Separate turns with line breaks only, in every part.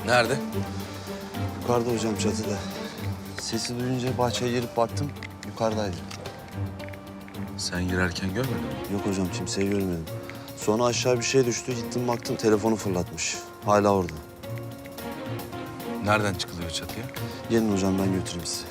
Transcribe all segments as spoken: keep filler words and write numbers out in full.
Nerede?
Yukarıda hocam, çatıda. Sesi duyunca bahçeye girip baktım, yukarıdaydı.
Sen girerken görmedin mi?
Yok hocam, kimseyi görmedim. Sonra aşağı bir şey düştü, gittim baktım telefonu fırlatmış. Hala orada.
Nereden çıkılıyor çatıya?
Gelin hocam, ben götüreyim sizi.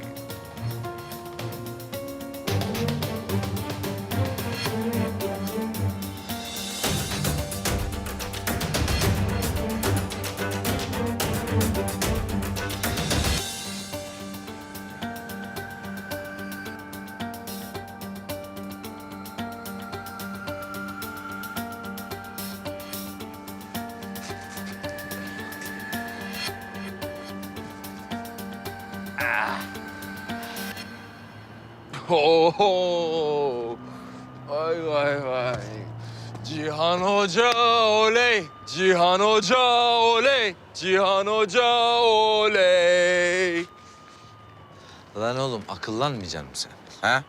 Oho! Vay vay vay. Cihan Hoca oley! Cihan Hoca oley! Cihan Hoca oley!
Lan oğlum akıllanmayacaksın mı sen? Ha?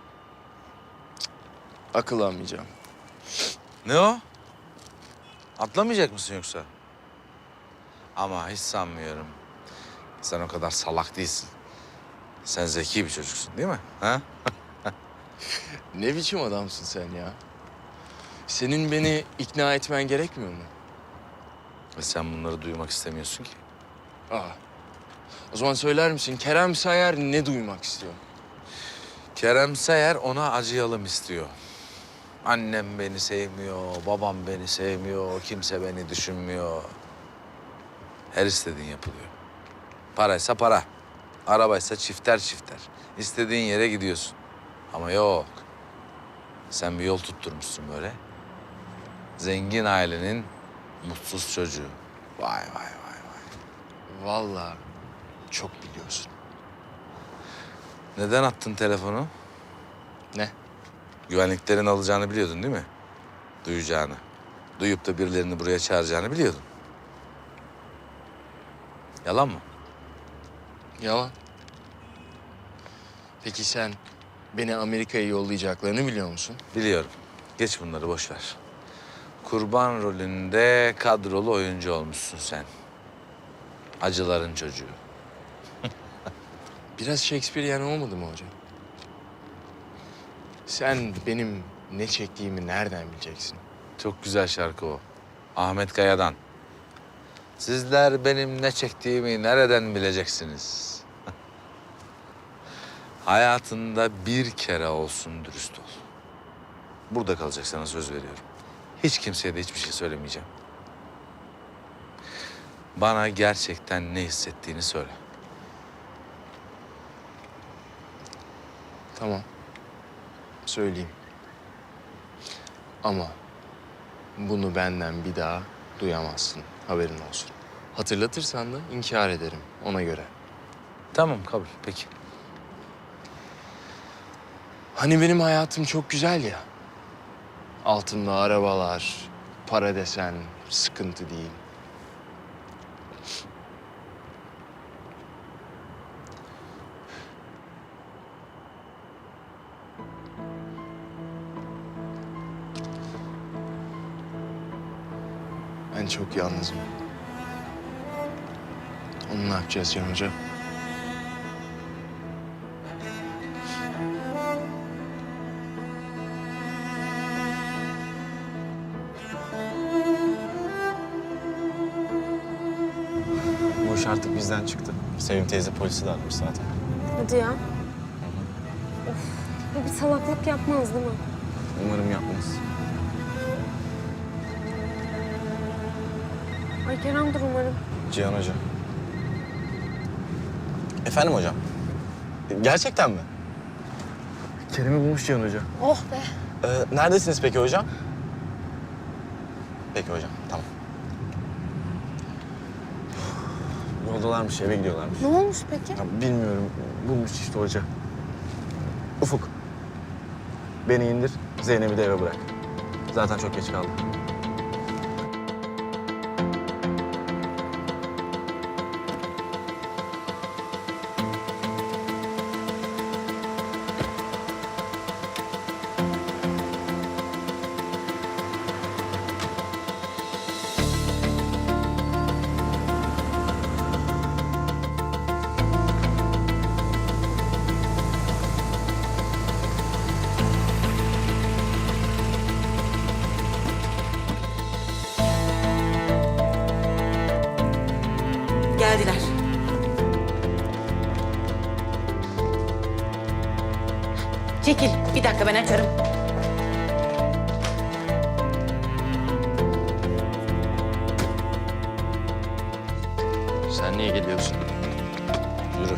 Akıllanmayacağım.
Ne o? Atlamayacak mısın yoksa? Ama hiç sanmıyorum. Sen o kadar salak değilsin. Sen zeki bir çocuksun değil mi? Ha?
Ne biçim adamsın sen ya? Senin beni ikna etmen gerekmiyor mu?
Ve sen bunları duymak istemiyorsun ki.
Aa. O zaman söyler misin Kerem Sayar ne duymak istiyor?
Kerem Sayar ona acıyalım istiyor. Annem beni sevmiyor, babam beni sevmiyor, kimse beni düşünmüyor. Her istediğin yapılıyor. Paraysa para, arabaysa çifter çifter. İstediğin yere gidiyorsun. Ama yok. Sen bir yol tutturmuşsun böyle. Zengin ailenin mutsuz çocuğu. Vay vay vay vay.
Vallahi çok biliyorsun.
Neden attın telefonu?
Ne?
Güvenliklerin alacağını biliyordun değil mi? Duyacağını. Duyup da birilerini buraya çağıracağını biliyordun. Yalan mı?
Yalan. Peki sen beni Amerika'ya yollayacaklarını biliyor musun?
Biliyorum. Geç bunları boş ver. Kurban rolünde kadrolu oyuncu olmuşsun sen. Acıların çocuğu.
Biraz Shakespearean olmadı mı hocam? Sen benim ne çektiğimi nereden bileceksin?
Çok güzel şarkı o. Ahmet Kaya'dan. Sizler benim ne çektiğimi nereden bileceksiniz? Hayatında bir kere olsun dürüst ol. Burada kalacak, sana söz veriyorum. Hiç kimseye de hiçbir şey söylemeyeceğim. Bana gerçekten ne hissettiğini söyle.
Tamam. Söyleyeyim. Ama bunu benden bir daha duyamazsın. Haberin olsun. Hatırlatırsan da inkar ederim ona göre.
Tamam, kabul. Peki.
Hani benim hayatım çok güzel ya. Altımda arabalar, para desen sıkıntı değil. Ben çok yalnızım. Onu ne yapacağız Can Hoca?
Bu iş artık bizden çıktı. Sevim teyze polisi de aramış zaten.
Hadi ya. Of, bu bir salaklık yapmaz değil mi?
Umarım yapmaz.
Ay Kerem'dir umarım.
Cihan Hoca. Efendim hocam? Gerçekten mi? Kerem'i bulmuş Cihan Hoca.
Oh be.
Ee, neredesiniz peki hocam? Peki hocam, tamam. Yoldalarmış, eve gidiyorlarmış.
Ne olmuş peki?
Ya, bilmiyorum, bulmuş işte hoca. Ufuk, beni indir, Zeynep'i de eve bırak. Zaten çok geç kaldım.
Geldiler. Çekil. Bir dakika ben açarım.
Sen niye geliyorsun? Yürü.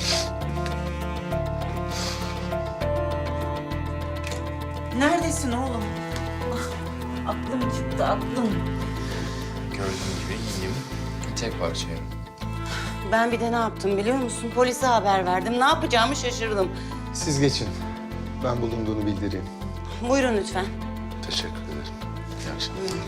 Neredesin oğlum? Ah, aklım çıktı aklım.
Gördüğün gibi iyiyim. Tek parçayım.
Ben bir de ne yaptım biliyor musun? Polise haber verdim. Ne yapacağımı şaşırdım.
Siz geçin. Ben bulunduğunu bildireyim.
Buyurun lütfen.
Teşekkür ederim. İyi akşamlar.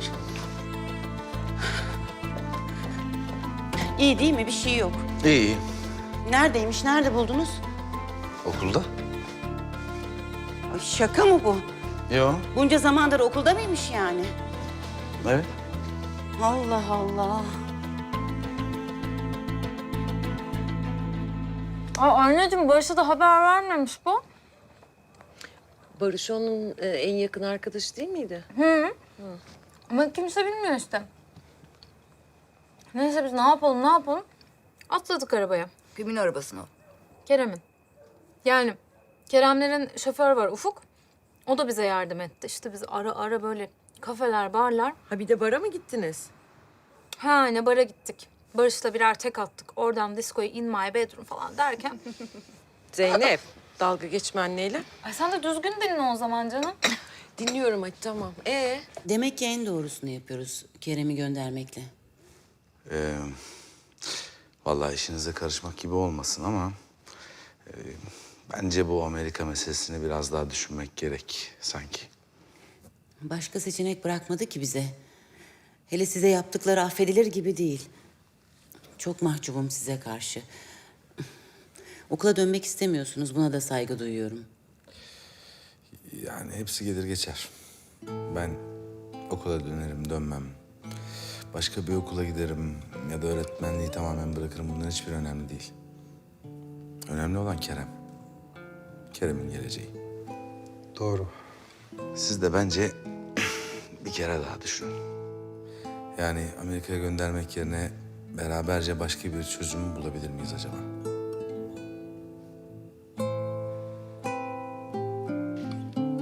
İyi değil mi? Bir şey yok.
İyi.
Neredeymiş? Nerede buldunuz?
Okulda?
Ay, şaka mı bu?
Yo.
Bunca zamandır okulda mıymış yani?
Evet.
Allah Allah.
Aa, anneciğim Barış'a da haber vermemiş bu.
Barış onun e, en yakın arkadaşı değil miydi?
Ama kimse bilmiyor işte. Neyse biz ne yapalım ne yapalım? Atladık arabaya.
Kimin arabasına?
Kerem'in. Yani Keremlerin şoförü var Ufuk. O da bize yardım etti. İşte biz ara ara böyle kafeler, barlar.
Ha bir de bara mı gittiniz?
Ha ne bara gittik. Barış'la birer tek attık. Oradan diskoya in my bedroom falan derken.
Zeynep, dalga geçme anneyle.
Ay sen de düzgün dinle o zaman canım.
Dinliyorum hadi tamam. Ee,
Demek ki en doğrusunu yapıyoruz Kerem'i göndermekle.
Ee, vallahi işinize karışmak gibi olmasın ama... e, bence bu Amerika meselesini biraz daha düşünmek gerek sanki.
Başka seçenek bırakmadı ki bize. Hele size yaptıkları affedilir gibi değil. Çok mahcubum size karşı. Okula dönmek istemiyorsunuz. Buna da saygı duyuyorum.
Yani hepsi gelir geçer. Ben okula dönerim, dönmem. Başka bir okula giderim ya da öğretmenliği tamamen bırakırım. Bunların hiçbir önemli değil. Önemli olan Kerem. Kerem'in geleceği.
Doğru.
Siz de bence bir kere daha düşünün. Yani Amerika'ya göndermek yerine beraberce başka bir çözüm bulabilir miyiz acaba?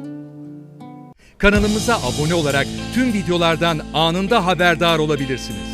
Kanalımıza abone olarak tüm videolardan anında haberdar olabilirsiniz.